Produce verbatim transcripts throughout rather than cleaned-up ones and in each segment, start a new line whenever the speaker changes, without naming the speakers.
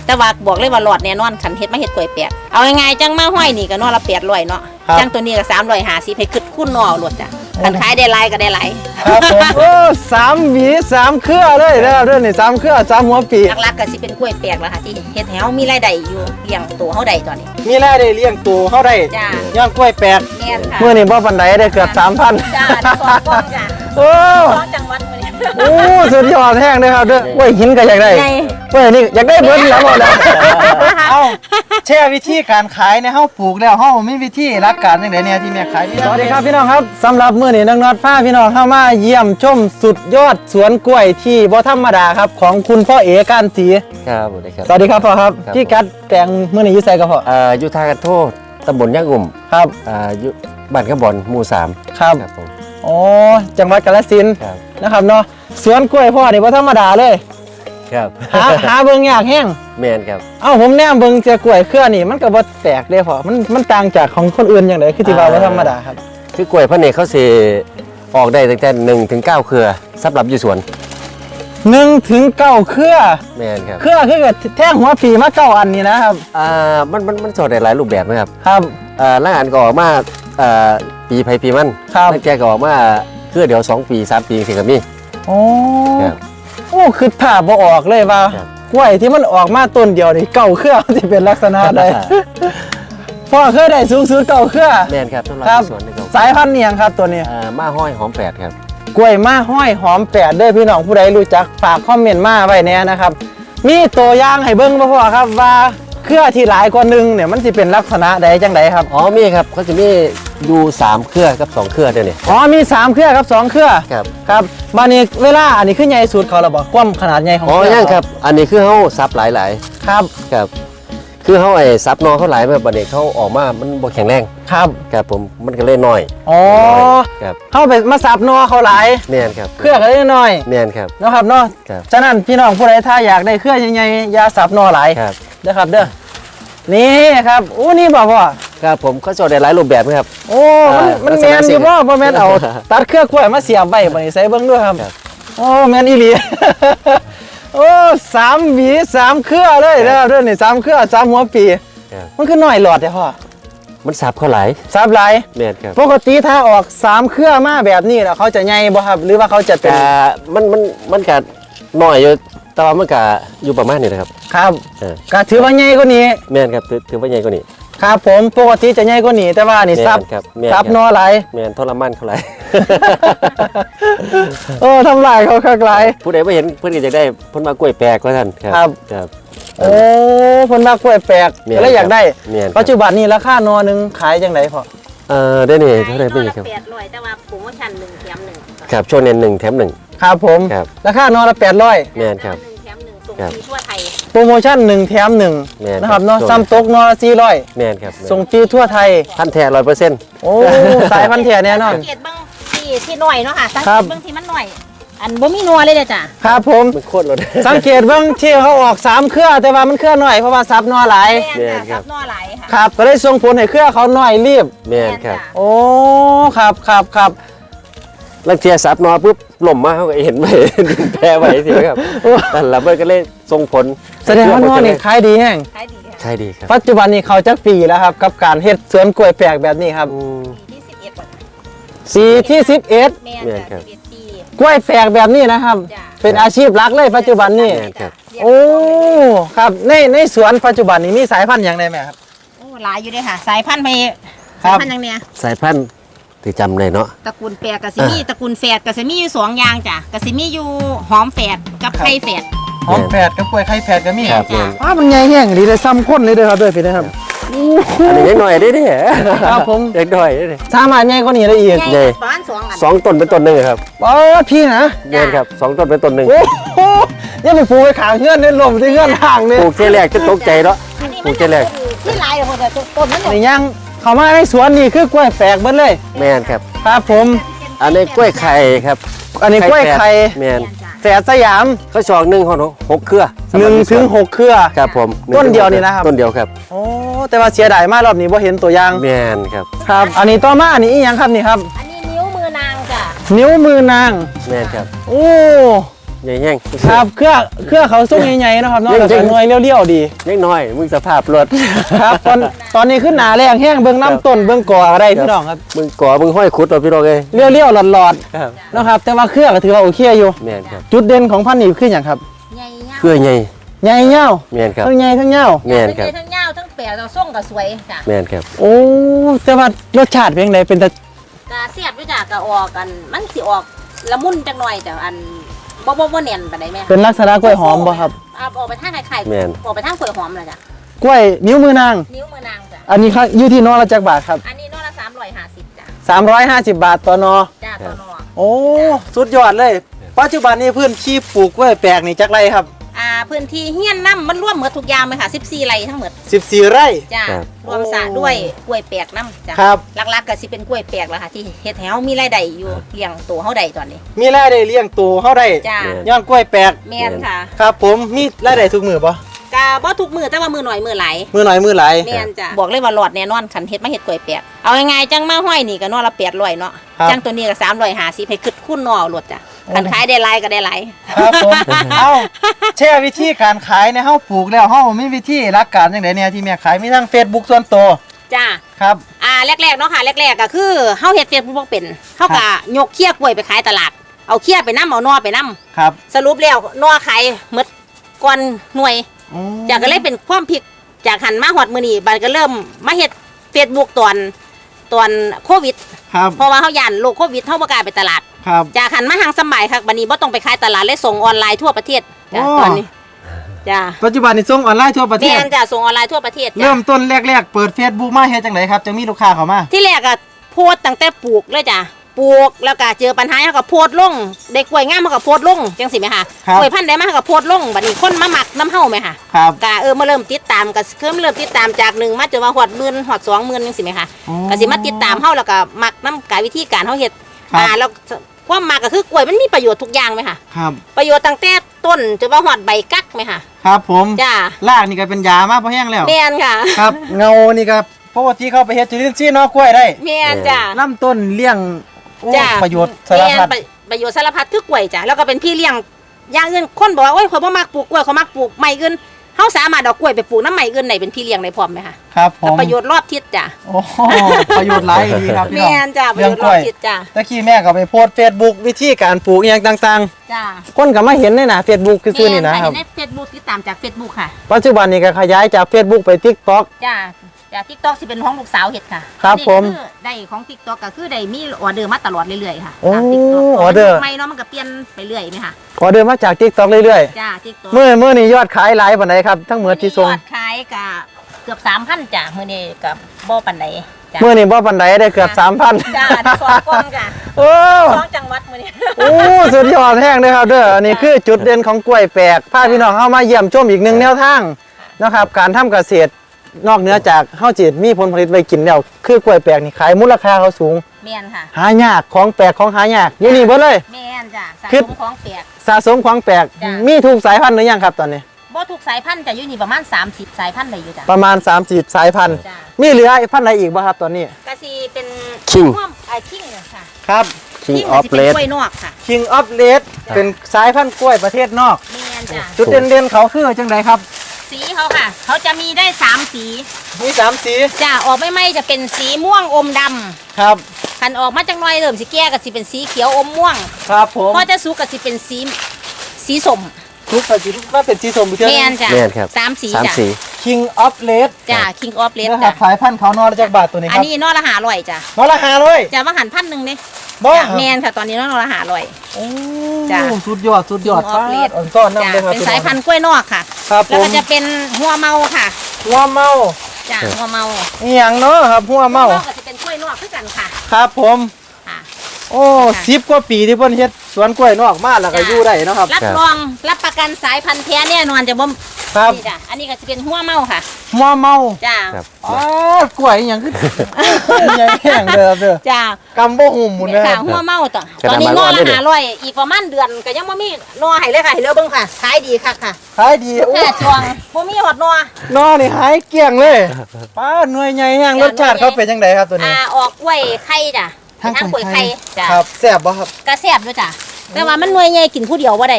แต่ว่าบอกเลยว่าหลอดแน่นอนขันเฮ็ดมาเฮ็ดกล้วยแปลกเอาง่ายๆจังมาห้อยนี่ก็นอละแปดร้อยเนาะจังตัวนี้ก็สามร้อยห้าสิบให้ขึ้นคุ้นนอหลดจ้ะขันขายได้หลายก็ได้หลาย
ครับผมโอ้สามหวีสามเครือเลยนะครับเรื่องนี้สามเครือสามหัวปี
หลักๆก็สิเป็นกล้วยแปลกแล้วค่ะที่เฮ็ดให้เฮามีรายได้อยู่เลี้ยงตัวเฮาได้ตอนนี้
มีรายได้เลี้ยงตัวเฮาได้
จ้ะ
ย่างกล้วยแปลก
แม่นค่ะ
มื้อนี้บ่ปานใดได้เกือบ สามพัน
จ้าได้สองกล่องจ้ะ
โอ้
สองจังหวัดมื้อนี้
โอ้สุดยอดแห้งเลยครับเด้อกล้วยหินก็อยากได้กล้วยนี่อยากได้เบิดแล้วบ่ได้เอ้าแช่วิธีการขายเนี่ยเฮาปลูกแล้วเฮามีวิธีหลักการจังได๋เนี่ยที่แม่ขายสวัสดีครับพี่น้องครับสำหรับมื้อนี้น้องน็อตพาพี่น้องเข้ามาเยี่ยมชมสุดยอดสวนกล้วยที่บ่ธรรมดาครับของคุณพ่อเอการศรี
ครับสวัสดีครับ
สวัสดีครับพ่อครับพี่กัดแตงมื้อนี้อยู่ไสครับพ่อ
อ่าอยู่ทางกันโทษตำบลย่างอุ่ม
ครับ
อ่าอยู่บ้านขบอนหมู่สาม
ครับ
ครับผม
อ๋อจังหวัดกาฬสินธุ์นะครับเนาะสวนกล้วยพ่อนี่บ่ธรรมดาเลย
ครับ
หาหาเบิ่งยากแห้ง
แม่นครับ
เอ้าผมแนมเบิ่งเจอกล้วยเครือนี่มันก็บ่แตกเด้พ่อมันมันต่างจากของคนอื่นจังได๋คือที่ว่าบ่ธรรมดาครับ
คือกล้วยพระเนกเขาสิออกได้ตั้งแต่หนึ่งถึงเก้าเครือสำหรับอยู่สวน
หนึ่งถึงเก้าเครือ
แม่นครับ
เครือคือกับแท่งหัวปีมาเก้าอันนี่นะครับ
อ่ามันมันมันสอดได้หลายรูปแบบนะครับ
ครับ
อ่าล่างอันก็ออกมาอ่าปีไผปีมัน
ครับ
แล้วแกก็ออกมาเครือเดียวสองปีสามปีสิก็มี
โอ้โอ้คือถ้าบ่ออกเลยว่ากล้วยที่มันออกมาต้นเดียวนี่เก้าเครือสิเป็นลักษณะใดพ่อเคยได้สูงสุดเก้าเครือ
แม่นครับสำหรับสวนนี่
สายพันธุ์เนี่ยครับตัวนี้
อ่ามาห้อยหอมแปดครับ
กล้วยมาห้อยหอมแปดเด้อพี่น้องผู้ใดรู้จักฝากคอมเมนต์มาไว้แน่นะครับมีตัวอย่างให้เบิ่งบ่พ่อครับว่าเครือที่หลายกว่านึงเนี่ยมันสิเป็นลักษณะใดจังไดครับ
อ๋อมีครับเขาจะมีดูสามเครือกับสองเครือเด้อนี่
อ๋อมีสามเครือกับสองเครือ
ครับ
ครับบัดนี้เวลาอันนี้คือใหญ่สุดเขาล่ะบ่ความขนาดใหญ่ของ
อ๋อยังครับอันนี้คือเฮาซับหลาย
ๆครับ
ครับคือเขาไอ้ซับนอเขาหลายแบบบัดนี้เขาออกมามันบ่แข็งแรง
ครับ
ครับผมมันก็เลยน้อย
อ๋อ
ครับ
เขาไปมาสับนอเขาหลาย
แม่นครับ
เครือก็เลยน้อย
แม่นครับ
เนาะครับเนาะฉะนั้นพี่น้องผู้ใดถ้าอยากได้เครือใหญ่ๆอย่าสับนอหลาย
ครับ
เด้อครับเด้อนี่ครับโอ้นี่บ่พ่อ
ครับผมเขาสอดได้หลายรูปแบบครับ
โอ้มันมันแม่นอยู่บ่บ่แม่นเอาตัดเครือกล้วยมาเสียบไว้บัดนี้ใส่เบิ่งด้วยครับโอ้แม่นอีหลีโอ้สามหวีสามเครือเลยนะครับเด้อนี่สามเครือสามหัวปีมันคือน้อยหลอดเด้อพ่อ
มันซับเขาหลาย
ซับหลาย
แม่นครับ
ปกติถ้าออกสามเครือมาแบบนี้แล้วเขาจะใหญ่บ่ครับหรือว่าเขาจะเป็น
มันมันมันก็น้อยอยู่แต่ว่ามันก็อยู่ประมาณนี้นะครับ
ครับก็ถือว่าใหญ่กว่านี้
แม่นครับถือว่าใหญ่กว่านี้
ครับผมปกติจะใหญ่กว่านี้แต่ว่านี่ซับซับนอหลาย
แม่นทรมานเขาหลาย
โอ้ทำลายเขาคักหลาย
ผู้ใดบ่เห็นเพิ่นก็อยากได้เพิ่นมากล้วยแปลกว่าท่าน
ครับ
ครับ
โอ้เพิ่นมากล้วยแปลกแล้วอยากได้ปัจจุบันนี้ราคานอนึงขายจังไดพ่อ
เออได้นี่เท่าไหร่เป็นครับ
แปดร้อยแต่ว่าโปรโมชั่นหนึ่งแถมหนึ่ง
ครับช่วงนี้หนึ่งแถมหนึ่ง
ครับผมราคานอละแปดร้อย
แม่นครับ
ส่งฟรีทั่วไทย
โปรโมชั่นหนึ่งแถมหนึ่งนะครับเนาะซ้ำตกนอละสี่ร้อย
แม่นครับ
ส่งฟรีทั่วไทย
พันแท้ร้อยเปอร์เซ็นต์
โอ้สายพันแท้แน่นอน
สังเกตเบิ้งที่ที่หน่อยเนาะค่ะสังเกตเบิ้งที่มันหน่อยอันบ่มีนัวเลยเด้อจ้ะ
ครับผม
มันโคตรเลย
สังเกตเบิ้งที่เขาออกสามเครือแต่ว่ามันเครือหน่อยเพราะว่าซับนอหลาย
แม่นค่ะซับนอหลายค่ะ
ครับก็เลยส่งผลให้เครือเขาหน่อยรีบ
แม่นครับ
โอ้ครับครับครับ
ลังเทียซับนอปุ๊บหล่มมาเขาก็เห็นไปแพ้ไว้สิครับแต่ละเบิดก็เลยส่งผล
แสดงว่านอนี่ขายดีแห้ง
ขายดี
ขายดีครับ
ปัจจุบันนี้เขาจักปีแล้วครับกับการเฮ็ดสวนกล้วยแปลกแบบนี้ครับสี่ที่สิบเอ็ด
แม่นครับ
กล้วยแปลกแบบนี้นะครับเป็นอาชีพหลักเลยปัจจุบันนี้โอ้ครับในในสวนปัจจุบันนี้มีสายพันธุ์อย่างไรไหมครับ
โอ้หลายอยู่ด้วยค่ะสายพันธุ์ไปสายพันธุ์อย่างเนี้ย
สายพันธุ์ที่จำเลยเนาะ
ตระกูลแปลกกะซิมีตระกูลแฝดกะซิมีอยู่สองอย่างจ้ะกะซิมีอยู่หอมแฝดกับไข่แฝด
หอมแฝดกับกล้วยไข่แฝดก็มี
ครับ
อ้ามันใหญ่แห้งดีเลยซ้ำข้นเลยด้วยครับด้วยพี่นะครับ
อันนี้ยังหน่อยได้ดิ
ครับผม
เด็กหน่อยได้ดิ
สามารถใหญ่กว่านี้ได้อีก
ใหญ่ประมาณสองอัน
สองต้นเป็นต้นหนึ่งครับ
อ๋อพี่นะ
เงินครับสองต้นเป็นต้นหนึ่ง
โอ้โหนี่ไปปลูกไปขางเงื่อนเนี่ยลมที่เงื่อนห่างเนี่ย
ปลูกเจแรกจะตกใจเนาะปลูกเจแรก
ที่ลายเลยคนแต่ต้นนั้น
นี่ยังเขามาในสวนนี่คือกล้วยแปลกเบิ้ลเลย
แม่นครับ
ครับผม
อันนี้กล้วยไข่ครับ
อันนี้กล้วยไข่
แม่น
แฝดสยาม
เขาชอกหนึ่งหกหกเครือ
หนึ่งถึงหกเครือ
ครับผม
ต้นเดียวนี่นะครับ
ต้นเดียวครับ
โอ้แต่ว่าเสียดายมากรอบนี้เพราะเห็นตัวอย่าง
แม่นครับ
ครับอันนี้ต่อมาอันนี้อีกอย่างครับนี่ครับ
อันนี้นิ้วมือนางจ้ะ
นิ้วมือนาง
แม่นครับ
โอ้
ใหญ่แห้ง
ครับเครือเครือเขาส่งใหญ่ๆนะครับเนาะแล้วก็หน่วยเลี้ยวๆดี
เล็กน้อยมึงสภาพรถ
ครับตอนตอนนี้ขึ้นหนาแรงแห้งเบื้องน้ำต้นเบื้องก่ออะไรพี่น้องครับ
มึงก่อมึงห้อยขุดเอาพี่น้องเอ้ย
เลี้ยวๆหลอด
ครับ
ๆนะครับแต่ว่าเครือก็ถือว่าโอเคอยู่
แม่นครับ
จุดเด่นของพันธุ์นี้คืออย่างครับ
ใหญ่ยาว
เครือใหญ่
ใหญ่เงา
แม่นครับ
ทั้งใหญ่ทั้งเงา
แม่นครับ
ทั้งยาวทั้งแปดเราส่งก็สวยจ้ะ
แม่นครับ
โอ้แต่ว่ารสชาติเป็นไงเป็นแต่
กะเสียบด้วยจ้ะกะออกกันมันสิออกละมุนจังหน่อยแต่อันบ่บ่บ่เนียนปานใดแม่
เป็นลักษณะกล้วยหอมบ่ครับ
เอาออกไปทางไข่
แม่น
ออกไปทางกล้วยหอมเลยจ้ะ
กล้วยนิ้วมือนาง
นิ้วมือนางจ้ะ
อันนี้ครับอยู่ที่นอละจักบาทครับ
อันนี้นอละสามร้อยห้าสิบจ้ะ
สามร้อยห้าสิบบาทต่อนอ
จ้าตัวนอ
โอ้สุดยอดเลยปัจจุบันนี้พื้นที่ปลูกกล้วยแปลกนี่จักไรครับ
อ่าพื้นที่เฮียนน้ำมันร่วมหมดทุกอย่างเลยค่ะสิบสี่ไร่ทั้งหมด
สิบสี่ไร่
จ้า
ครับ
รวมสระด้วยกล้วยแปลกน้ำจ้ะ
ครับ
หลักๆก็สิเป็นกล้วยแปลกแล้วค่ะที่เฮ็ดแถวมีรายได้อยู่เลี้ยงตัวเฮาได้ตอนนี้
มีรายได้เลี้ยงตัวเฮาได้
จ้า
ย้อนกล้วยแปลก
แม่นค่ะ
ครับผมมีรายได้ทุกมือปะ
กะบ่ทุกมือแต่ว่ามือหน่อยมือหลาย
มือหน่อยมือหลาย
แม่นจ้ะบอกเลยว่าหลอดแน่นอนคันเฮ็ดมาเฮ็ดกล้วยแปลกเอาง่ายๆจังมาห้อยนี่ก็นอละแปดร้อยเนาะจังตัวนี้ก็สามร้อยห้าสิบให้ขึ้นคูณนอเอาโลดจ้ะคันขายได้หลายก็ได้หลาย
ครับผมเอ้าแช่วิธีการขายในเฮาปลูกแล้วเฮามีวิธีรักการจังไดเนี่ยที่แม่ขายมีทั้ง Facebook ส่วนตัว
จ้า
ครับ
อ่าแรกๆเนาะค่ะแรกๆก็คือเฮาเฮ็ดเฟซบุ๊กบ่เป็นเฮาก็ยกเขี้ยกล้วยไปขายตลาดเอาเขี้ยไปนำเอานอไปนำ
ครับ
สรุปแล้วนอขายหมดก่อนหน่วย
อืม
จากก็เลยเป็นความพลิกจากหันมาฮอดมื้อนี้บัดก็เริ่มมาเฮ็ดเฟซบุ๊กตอนตอนโควิด
ครับ
เพราะว่าเฮาย่านโรคโควิดเฮาบ่กล้าไปตลาด
ครับ
จากหันมาทางสมัยค่ะบัดนี้บ่ต้องไปขายตลาดเลยส่งออนไลน์ทั่วประเทศจ้ะ
โอ้
ตอนนี้จ้า
ปัจจุบันนี้ส่งออนไลน์ทั่วประเท
แม่
ศ
นจ้ะส่งออนไลน์ทั่วประเทศจ้ะ
เริ่มต้นแรกๆเปิด Facebook มาเฮ็ดจังไดครับจังมีลูกค้าเข้ามา
ที่แรกอะโพสต์ตั้งแต่ปลูกเลยจ้ะปลูกแล้วก็เจอปัญหาเขาก็โพสต์ลงเด็กกล้วยงามเขาก็โพสต์ลงจังสิไหมคะกล้วยพันธุ์ใดมาเขาก็โพสต์ลงบัดนี้คนมาหมักน้ำเฮาไหมคะ
ครับ
ก็เออมาเริ่มติดตามก็เริ่มเริ่มติดตามจากหนึ่งมาจนว่าหอดหมื่นหอดสองหมื่นจังสิไหมคะ
อ๋อ
ก็สิมาติดตามเฮาแล้วก็มักน้ำกายวิธีการเฮาเฮ็ด
ครับ
อ่าแล้วความมักก็คือกล้วยมันมีประโยชน์ทุกอย่างไหมคะ
ครับ
ประโยชน์ตั้งแต่ต้นจนว่าหอดใบกักไหมคะ
ครับผม
จ้าร
ากนี่ก็เป็นยามาพอแห้งแล้ว
แม่นค่ะ
ครับ เงานี่ก็ปกติเข้าไปเฮ็ดจุลินทรีย์เนอกกล้วยได้
แม่นจ้า
ลำต้นเลี้ยงโอ้
จ้า
ประโยชน์สารพัด
แม่นประประโยชน์สารพัดคือกล้วยจ้ะแล้วก็เป็นพี่เลี้ยงอย่างอื่นคนบอกว่าโอ้ยคนบ่มักปลูกกล้วยเขามักปลูกไม้อื่นเฮาสามารถเอากล้วยไปปลูกน้ำไม้อื่นได้เป็นพี่เลี้ยงได้พร้อมไหมคะ
ครับผ
แล้ว
ม
ประโยชน์รอบทิศจ้ะ
โอ้โหประโยชน์หลายดีครับพี่น้อง
แม่นจ้ะประโยชน์รอบทิศจ้ะ
ตะกี้แม่ก็ไปโพสเฟซบุ๊กวิธีการปลูกอหย่างต่าง
จ้ะ
ๆ คนก็มาเห็นในหน้าเฟซบุ๊กคือซื่อนี่นะครับ
ในเฟซบุ๊กติดตามจาก Facebook ค่ะ
ปัจจุบันนี้ก็ขยายจาก Facebook ไป TikTok
จ้ะจาก TikTok สิเป็นของลูกสาวเฮ็ดค่ะ
ครับ
อันนี้
ผม
คือได้ของ TikTok ก็คือได้มีออเดอร์มาตลอดเรื่อยๆค่ะ
โอ้
ตาม TikTok
ออเดอร์
ไม่เนาะมันก็เปลี่ยนไปเรื่อยไหมคะ
ขอเดินมาจาก TikTok เรื่อย
จ้ะ TikTok
ๆเมื่อเมื่อนี้ยอดขายหลายปานใดครับทั้งหมดที่ส่ง
ยอดขายก็เกือบสามพันจ้ะมื้อนี้ก็บ่ปานใดจ้ะ
เมื่อนี้บ่ปานใดได้เกือบ สามพัน
จ้าได้สองกล่องจ้ะ
โอ้
สองจังหวัดมื้อนี้
โอ้สุดยอดแห้งเลยครับเด้ออันนี้คือจุดเด่นของกล้วยแปลกพาพี่น้องเข้ามาเยี่ยมชมอีกหนึ่งแนวทางนะครับการทำเกษตรนอกเหนือจากเฮาจิตมีผลผลิตไว้กินแล้วคือกล้วยแปลกนี่ขายมูลค่าเขาสูง
แม่นค่ะ
หายากของแปลกของหายากอยู่นี่เบิดเลย
แม่นจ้ะสะ
คือ
สมของแปลก
สะสมของแปลก
จ้ะ
มีทุกสายพันธุ์หรือยังครับตอนนี้
บ่ทุกสายพันธุ์จะอยู่นี่ประมาณสามสิบสายพันธุ์ได้อยู่จ้ะ
ประมาณสามสิบสายพันธุ์
จ้ะ
มีเหลือพันธุ์ไหนอีกบ่ครับตอนนี้
ก็สิเป็น
King
ร่วมไอ้คิงเนี่ยค่ะ
ครับ
King
คิง
of
สิเป็น
Red
กล้วยนอกค่ะ
King of Red เป็นสายพันธุ์กล้วยประเทศนอก
แม่นจ้ะ
จุดเด่นๆเขาคือจังไดครับ
สีเขาค่ะ เขาจะมีได้สามสี
มีสามสี
จ้ะออกไม่ไม่จะเป็นสีม่วงอมดำ
ครับ
คันออกมาจังหน่อยเริ่มสิแก่ก็สิเป็นสีเขียวอมม่วง
ครับผม
พอจะสุกก็สิเป็นสีสีส้ม
ทุกสีทุกว่าเป็นสีส้มไปเท่า
แม่น
นั้น
จ้ะ
แม่นครับ
สามสี
สาม
จ้ะ
สี
King of Red
จ้ะ King of Red
นะครับ
จ้ะ
สายพันธุ์เขานอจากบาทตัวนี้
อั
คน รับ
นี้นอละหาร้อยจ้ะ
นอละห้าร้อย
จ้ะว่าหันพันหนึ่งเนี่ย
บ่
จ้ะแมนค่ะตอนนี้นอละหาร้อย
โอ้
จ้ะ
สุดยอดสุดยอด
King of Red
อ่อนซ่อนน้ำ
จ้ะ
เลยครับ
เป็นสายพันธุ์กล้วยนอกค่ะ
ครับผ
แล้ว
ม
ก็จะเป็นหัวเมาค่ะ
หัวเมา
จ้ะหัวเมา
อีหยังเนาะครับหัวเมา
ก็จะเป็นกล้วยนอกคือกันค่ะ
ครับผม
ค่ะ
โอ้
ค่ะ
สิบกว่าปีที่เพิ่นเฮ็ดสวนกล้วยนอกมาแล้วก็
จ้ะ
อยู่ได้เนาะครับ
รับรองรับประกันสายพันธุ์แท้แน่นอนจะบ่
ครับ
นี่จ้ะอันนี้ก็จะเป็นหัวเมาค่ะ
หัวเมา
จ้ะ
ครับ
อ๋อกล้วยอีหยังคือ ใหญ่แห้งเด้อเด้อ
จ้ะ
กำบ่หุ่มหมุนนะค
ค่ะ
รับ
หัวเมาต่อ
ขนาด
ตอนนี้นอ
มันอ่อน
ละ
เลย
หาร้อยอีกประมาณเดือนก็ยังบ่มีนอให้เลยค่ะให้เลือกเบิ่งค่ะขายดีค่ะค่ะ
ขายดีโอ้
แค่ช่วงบ่มีหอดนอ
นอนี่หายเกลี้ยงเลยป้าหน่วยใหญ่แห้งรสชาติเขาเป็นจังไดครับตัวนี้
อ่าออกกล้วยไข่จ้ะเป็นทางกล้วยไข่จ้ะ
ครับแซ่บบ่ครับ
กระแซบด้วยจ้ะแต่ว่ามันหน่วยใหญ่กินผู้เดียวบ่ได้จ้ะ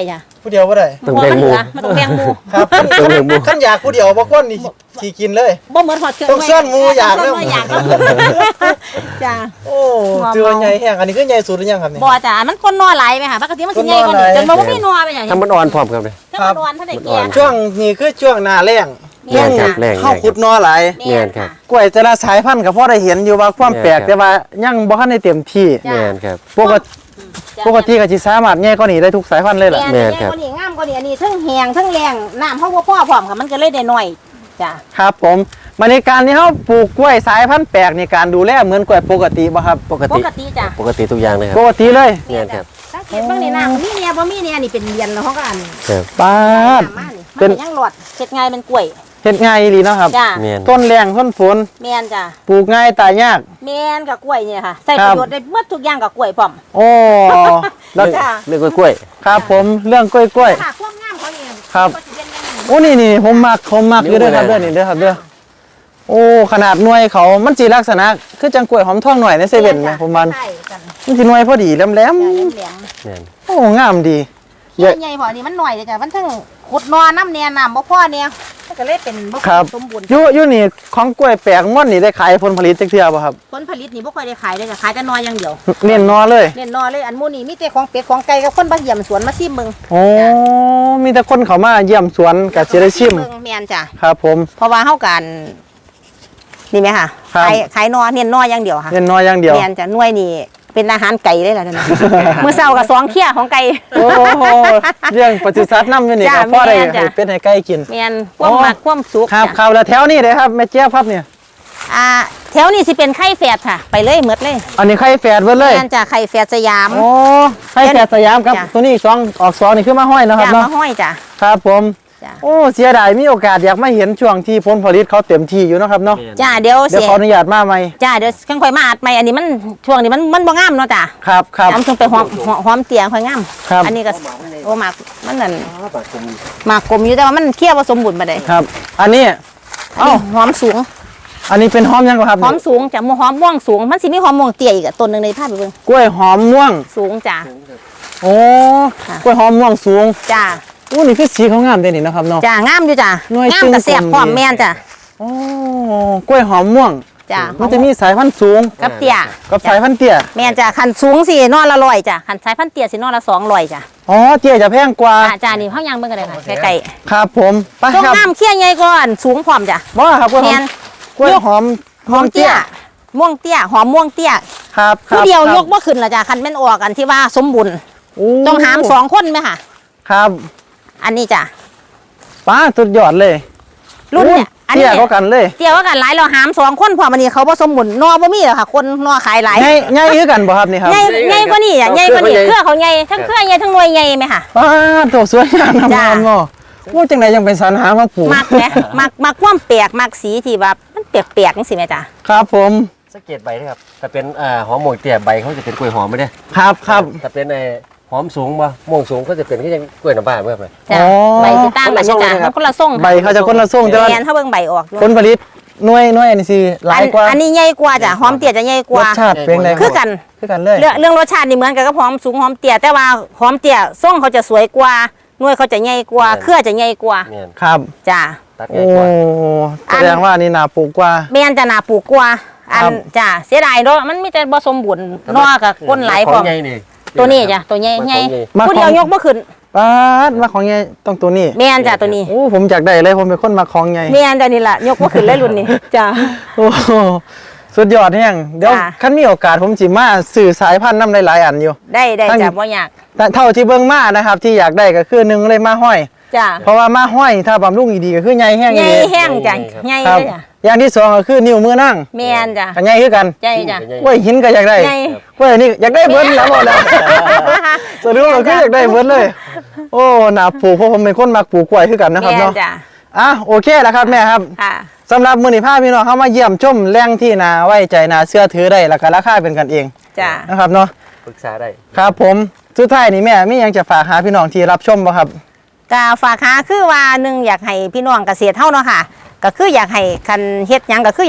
ผู้เดียวบ่ได้
ต้องแบ่งหมู่
มันต้องแบ่งหมู่
ครับขั้น
ต้องแบ่งหมู่
ขั้นอยากผู้เดียวบ่คนนี่สิกินเลย
บ่เหมือนหอดเครื่อง
ต้องซ่อนหมู่อยาก
ต้
เริ่
ง
ม
ซ่อนหมู่อยากครับจ้า
โอ้เจอใหญ่แห้งอันนี้คือใหญ่สุดหรือยังครับนี่
บ่จ้ามันคนนอหลายไหมค่ะปกติมันสิใหญ่กว่านี้จนบ่มีนอไปอย่าง
ถ้ามันอ่อนพร้อมกันเลย
ถ้ามันนอนถ้าได้แก่
ช่วงนี้คือช่วงหน้าแล้ง
แม่นค่ะ
แรง
เข้าขุดนอหลาย
แม่นค่ะ
กล้วยแต่ละสายพันธุ์ก็พอได้เห็นอยู่ว่าความแปลก
แม่นครับ
แต่ว่ายังบ่ทันได้เต็มที่
จ้ะ
แม่นครับ
ปกติปกติก็สิสามารถแย่กว่านี้ได้ทุกสายพันธุ์เลยล่ะ
แม่น
แม่น
แม่น
ครับ
กว่านี้งามกว่านี้อันนี้ทั้งแห้งทั้งแรงน้ำเฮาบ่พอพร้อมค่ะมันก็เลยได้น้อยจ้า
ครับผมมาในการที่เฮาปลูกกล้วยสายพันธุ์แปลกในการดูแลเหมือนกล้วยปกติบ่ครับ
ปก
ป
ติ
กติจ้ะ
ปกติทุกอย่างเลยค
ป
รับ
กติเลย
แม่นครับ
สังเกตเบิ่งนี่น้ำมีเนี่ยบ่มีเนี่ยนี่เป็นเรียนแล้วเฮาก็อัน
ครับ
ปาด
น้ำมานี่
เป็
มัน นยังหลอดเฮ็ดง่ายเป็นกล้วย
เฮ็ดง่ายอีหลีเนาะครับ
จ้า
แม่น
ต้นแรงต้นฝน
แม่นจ้ะ
ปลูกง่ายตายยาก
แม่นกับกล้วยเนี่ยค่ะใส่
ค
ป
รับ
ระโยชน์ได้หมดทุกอย่างกับกล้วยพร้อม
โอ้แล้ว
จ้ะ
เรื่องกล้วย
ครับผมเรื่องกล้วยกล้วย
ค่ะความงามเขาเอง
ครับ
ก็สิเป็นอย่างนี้
โอ้นี่นี่ผมมักผมมักอยู่เด้วยครับเด้อนี่เด้อครับเด้อโอ้ขนาดหน่วยเขามันสิลักษณะคือจังกล้วยหอมทองหน่อยในเซเว่นไหมผมมัน
ใช่กัน
มันสิหน่วยพอดีแหลม
จ้ะเหลี่ยม
ๆแม่น
ๆโอ้งามดี
ๆใหญ่ใหญ่พอนี่มันหน่อยจ้ะมันถึงขุดนอน้ำเนี่ยน้ำบ่พอเนี่ยมันก็เลยเป็นบ่
ครับ
สมบูรณ์
อยู่อยู่นี่ของกล้วยแปลกม่อนนี่ได้ขายผลผลิตจักเทื่อบ่ครับ
ผลผลิตนี่บ่ค่อยได้ขายเลยจ้ะขายแต่นออย่างเดียว
เน้นนอเลย
เน้นนอเลยอันหมู่นี่มีแต่ของเป็ดของไก่กับคนบ่เยี่ยมสวนมาซิมเบิ่ง
โอ้มีแต่คนเขามาเยี่ยมสวนกับสิได้ชิม
เบิ่งแม่นจ้ะ
ครับผม
เพราะว่าเฮากันนี่ไหมค่ะ
ครับ
ขายขายนอเน้นนออย่างเดียวค่ะ
เน้นนออย่างเดียว
แม่นจ้ะหน่วยนี่เป็นอาหารไก่เลยล่ะนั่นน่ะ มื้อเช้าก็สองเที่ยของไก่
โอ้โหเรื่องปศุสัตว์นำอยู่นี่
จ้ะ
ก็พอได้
แม่นจ้ะ
ให้เป็ดให้ไก่กิน
แม่นความ
โอ้
มักความสุข
ครับ
จ้ะ
ครับแล้วแถวนี้เลยครับแม่เจี๊ยบครับเนี่ย
อ่าแถวนี้สิเป็นไข่แฝดค่ะ ไปเลยหมดเลย
อันนี้ไข่แฝดเบิดเลย
แม่นจ้ะไข่แฝดสยาม
โอ้ไข่แฝดสยามครับ
จ้ะ
ตัวนี้สองออกสองนี่คือมาห้อยเนาะค
จ้ะ
รับเนาะ
มาห้อยจ้ะ
ครับผม
จ้ะ
โอ้เสียดายมีโอกาสอยากมาเห็นช่วงที่ผลผลิตเขาเต็มที่อยู่เนาะครับเนาะ
แม่น
จ้ะเดี๋ยว
เดี๋ยว
เสีย
ขออนุญาตมาใหม่
จ้ะเดี๋ยวค่อยๆมาอัดใหม่อันนี้มันช่วงนี้มันมันบ่งามเนาะจ้ะ
ครับครับ
น้ำช่วงไปหอมหอมหอมเตียงค่อยงาม
ครับ
อันนี้ก็โอ้หมากมันนั่นหมากกลมอยู่แต่ว่ามันเคี้ยวผสมบูรณ์บ่ได้
ครับ อันนี้
เอ้าหอมสูง
อันนี้เป็นหอมยังครับ
หอมสูงจ้ะหอมม่วงสูงมันสิมีหอมม่วงเตี้ยอีกอะต้นหนึงในภาพไปเบิ่ง
กล้วยหอมม่วง
สูงจ้ะ
โอ้
ค่ะ
กล้วยหอมม่วงสูง
จ้ะ
อู้นี่คือสีเขางามเด่นนี่นะครับเนาะ
จ้ะงามอยู่จ้ะ
หน่วย
งามกับแซ่บ
ตึงกลม
พร้อม
ดี
แม่นจ้ะ
โอ้กล้วยหอมม่วง
จ้ะ
มันจะมีสายพันธุ์สูง
กับเตี้ย
กับสายพันธุ์เตี้ย
แม่นจ้ะคันสูงสินอนละร้อยจ้ะคันสายพันธุ์เตี้ยสินอนละสองร้อยจ้ะ
อ๋อเตี้ยจะแพงกว่า
จ้ะจ้ะนี่เฮายังเบิ่งกันเลยค่ะใกล้
ครับผมไป
ๆทรง
ครับ
งามเคี้ยใหญ่ก่อนสูงพร้อมจ้ะ
บ่ครับกล้วยหอ
แม่
ม
น
กล้วยหอม
หอมเตี้ยม่วงเตี้ยหอมม่วงเตี้ย
ครับครั
ผู้
บ
เดียว
ครับ
ยกบ่ขึ้นละจ้ะคันแม่นออกกันที่ว่าสมบูรณ์
โอ้
ต้องหามสองคนไหมค่ะ
ครับ
อันนี้จ้ะ
ป้าสุดยอดเลย
รุ่นเนี่ยอัน
เตี้
นี้
ยก็กันเลย
เตี้ยว่ากันหลายเราหามสองคนพอมันนี่เขาผสมบุญนอบ่มีหรอกค่ะ คนนอขายหลาย
ใหญ่ใหญ่คือกันบ่ครับนี่ครับ
ใหญ่ใหญ่กว่านี่อ่ะใหญ่กว่านี่
เค
เค
รื
รือ อ
เขา
เขา
ให
ให
ญ่
ญ่ทั้งเครือใหญ่ทั้งหน่วยใหญ่ไหมค่ะ
ป้าโตสวยงามน้ำ
จ้ะ
มันบ่โอ้จังไดยังเป็นสรรหามาปลูก
มักไหมมักมักความแปลกมักสีที่แบบมันแปลกๆจังซี่แม่จ้ะ
ครับผม
สังเกตใบนะครับถ้าเป็นอ่าหอมหมวกเตี้ยใบเขาจะเป็นกล้วยหอมไม่ได้
ครับครับ
ถ้าเป็นไอ้หอมสูงบ่ม่วงสูงก็จะเป็นก็ยังกล้วยน้ำบ้านเมื่อไหร่
จ้ะ
อ๋อ
ใบสิตามกันอยู่จ้ะ
คนละทรงเลยครับ
มันคนละทรง
ใบเขาจะคนละทรงแต่ว่า
แม่นเฮาเบิ่งใบออกอยู่
ผลผลิตหน่วยหน่วยอันนี้สิหลายกว่า
อันนี้ใหญ่กว่าจ้ะหอมเตี้ยจะใหญ่ก
ร
ว่า
สชาติเป็นไง
คือกัน
คือกันเลย
เรื่องเรื่องรสชาตินี่เหมือนกันกับหอมสูงหอมเตี้ยแต่ว่าหอมเตี้ยทรงเขาจะสวยกว่าหน่วยเขาจะใหญ่กว่าเครือจะใหญ่กว่า
เนี่ย
ครับ
จ้ะ
ตัด
โอ้
ง่ายกว่า
แสดงว่านี่นาปลูกกว่า
แม่นจะน่าปลูกกว่าอัน
ครับ
จ้ะเสียดายเนาะมันมีแต่บ่สมบูรณ์นอกับก้นไหลายพร้อม
ของใหญ่นี่
ตัวนี้จ้ะตัวใหญ่
มัน
ใหญ่
ของใหญ่
มา
ผู้เดียว
ของ
ยกบ่ขึ้น
ป้าดมาของใหญ่ต้องตัวนี้
แม่นจ้ะตัวนี้
โอ้ผมอยากได้เลยผมเป็นคนมาของใหญ่
แม่นจ้ะนี่ล่ะยกบ่ขึ้นเลยรุ่นนี้จ้ะ
โอ้โหสุดยอดแห้งเดี๋ยว
จ้ะ
คันมีโอกาสผมสิมาสื่อสายพันธุ์น้ำหลายๆอันอยู่
ได้ได้
ตั้ง
จ้ะบ่ยาก
แต่เท่าที่เบิ่งมานะครับที่อยากได้ก็คือหนึ่งเลยมาห้อย
จ้ะ
เพราะว่ามาห้อยถ้าบำรุงดีๆก็คือใหญ่แห้ง
ใหญ่
ดี
แห้งจ้ะใหญ่
ครับ
เลยจ้ะ
อย่างที่สองก็คือนิ้วมือนั่ง
แม่นจ้ะ
ก็ใหญ่คือกัน
ใหญ่จ้ะ
กล้วยหินก็อยากได้
ใหญ่
กล้วยนี่อยากได้เบิดแล้วหมดแล้วสรุปก็คืออยากได้เบิดเลย โอ้หนาปลูกเพราะผมเป็นคนมักปลูกกล้วยคือกันนะครับ
แม่น
เนาะ
จ้ะ
อ่ะโอเคแล้วครับแม่ครับ
ค่ะ
สำหรับมื้อนี้พาพี่น้องเข้ามาเยี่ยมชมแหล่งที่นาไว้ใจนาเชื่อถือได้แล้วก็ราคาเป็นกันเอง
จ้ะ
นะครับเนาะ
ปรึกษาได้
ครับผมสุดท้ายนี่แม่มีหยังจะฝากหาพี่น้องที่รับชมบ่ครับ
ก็ฝากหาคือว่าหนึ่งอยากให้พี่น้องเกษตรเฮาเนาะค่ะ ก็คืออยากให้คันเฮ็ดหยังก็คืออยากเฮ็ด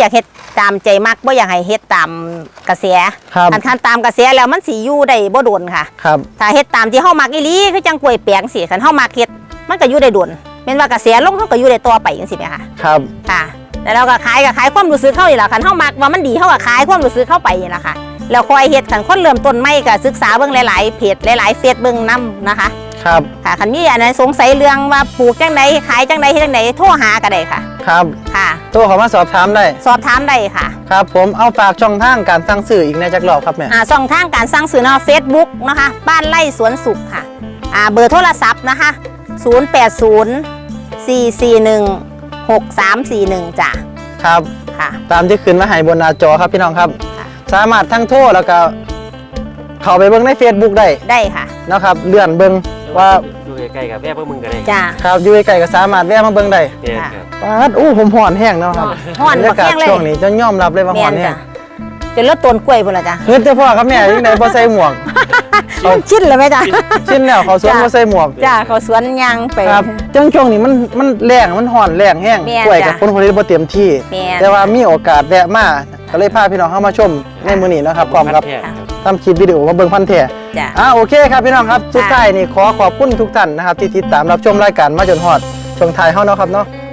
ตามใจมักบ่อยากให้เฮ็ดตามกระแส
ครับ
อันคันตามกระแสแล้วมันสิอยู่ได้บ่โดนค่ะ
ครับ
ถ้าเฮ็ดตามที่เฮามักอีหลีคือจังกล้วยแปลงสิคันเฮามักเฮ็ดมันก็อยู่ได้โดนแม่นว่ากระแสลงเฮาก็อยู่ได้ต่อไปจังซี่แหมค่ะ
ครับ
ค่ะแล้วเราก็ขายก็ขายความรู้สึกเฮานี่ล่ะคันเฮามักว่ามันดีเฮาก็ขายความรู้สึกเข้าไปนี่ล่ะค่ะแล้วคอยเฮ็ดคันคนเริ่มต้นใหม่ก็ศึกษาเบิ่งหลายๆเพจหลายๆเฟซเบิ่งนํนะคะ
ครับ
ค่ะคันมีอันไหนสงสัยเรื่องว่าปลูกจังไดขายจังไดเฮ็ดจังไดโทรหาก็ได้ค่ะ
ครับ
ค่ะ
โทรเข้ามาสอบถามได้
สอบถามได้ค่ะ
ครับผมเอาฝากช่องทางการสั่งซื้ออีกในจักรอบครับแม่
อ่าช่องทางการสั่งซื้อเนาะ Facebook นะคะบ้านไร่สวนสุขค่ะอ่าเบอร์โทรศัพท์นะคะศูนย์ แปด ศูนย์ สี่ สี่ หนึ่ง หก สาม สี่ หนึ่งจ้ะ
ครับ
ค่ะ
ตามที่ขึ้นมาให้บนหน้าจอครับพี่น้องครับ
ค่ะ
สามารถทั้งโทรแล้วก็เข้าไปเบิ่งใน Facebook ได้
ได้ค่ะ
นะครับเลื่อนเบิ่งว่า
อยู่ใกล้ๆกับแม่พวกมึงก็ได้
จ้ะ
ครับอยู่ใกล้ๆก็สามารถแวะมาเบิ่งได้
เนี่ยครับ
ปาดอู้ผมห่อนแห้งเนาะครับ
ฮ้อน
บรรยากาศ
บ่แห้งเลย
ช่วงนี้จะยอมรับเลยว่า
แม่
ห่อน
น
แห้
จ้ะ
ง
จะลดต้นกล้วยพุ่นละจ้ะ
เฮ็ดแต่พ่อครับแม่ยังไดบ่ใส่หมวก
ชินเลยไหมจ้ะ
ชิ้นแล้วเขาสวน
จ้ะ
บ่ใส่หมวก
จ้ะเขาสวนยางไป
ครับจังช่วงนี้มันมันแรงมันห่อนแรงแห้ง
แม่น
กล้วยกับ
จ้ะ
ผลผลิตบ่เต็มที่
แม่น
แต่ว่ามีโอกาสแวะมาก็เลยพาพี่น้องเข้ามาชมในมื้อนี้เนาะครับพร้อมกับ
พันแท้ครับ
ทำคลิปวิดีโอมาเบิ่งพันธุ์แท้
จ้ะ
อ่าโอเคครับพี่น้องครับสุดท้ายนี่ขอขอบคุณทุกท่านนะครับที่ติดตามรับชมรายการมาจนฮอดช่วงท้ายเฮาเนาะครับเนาะ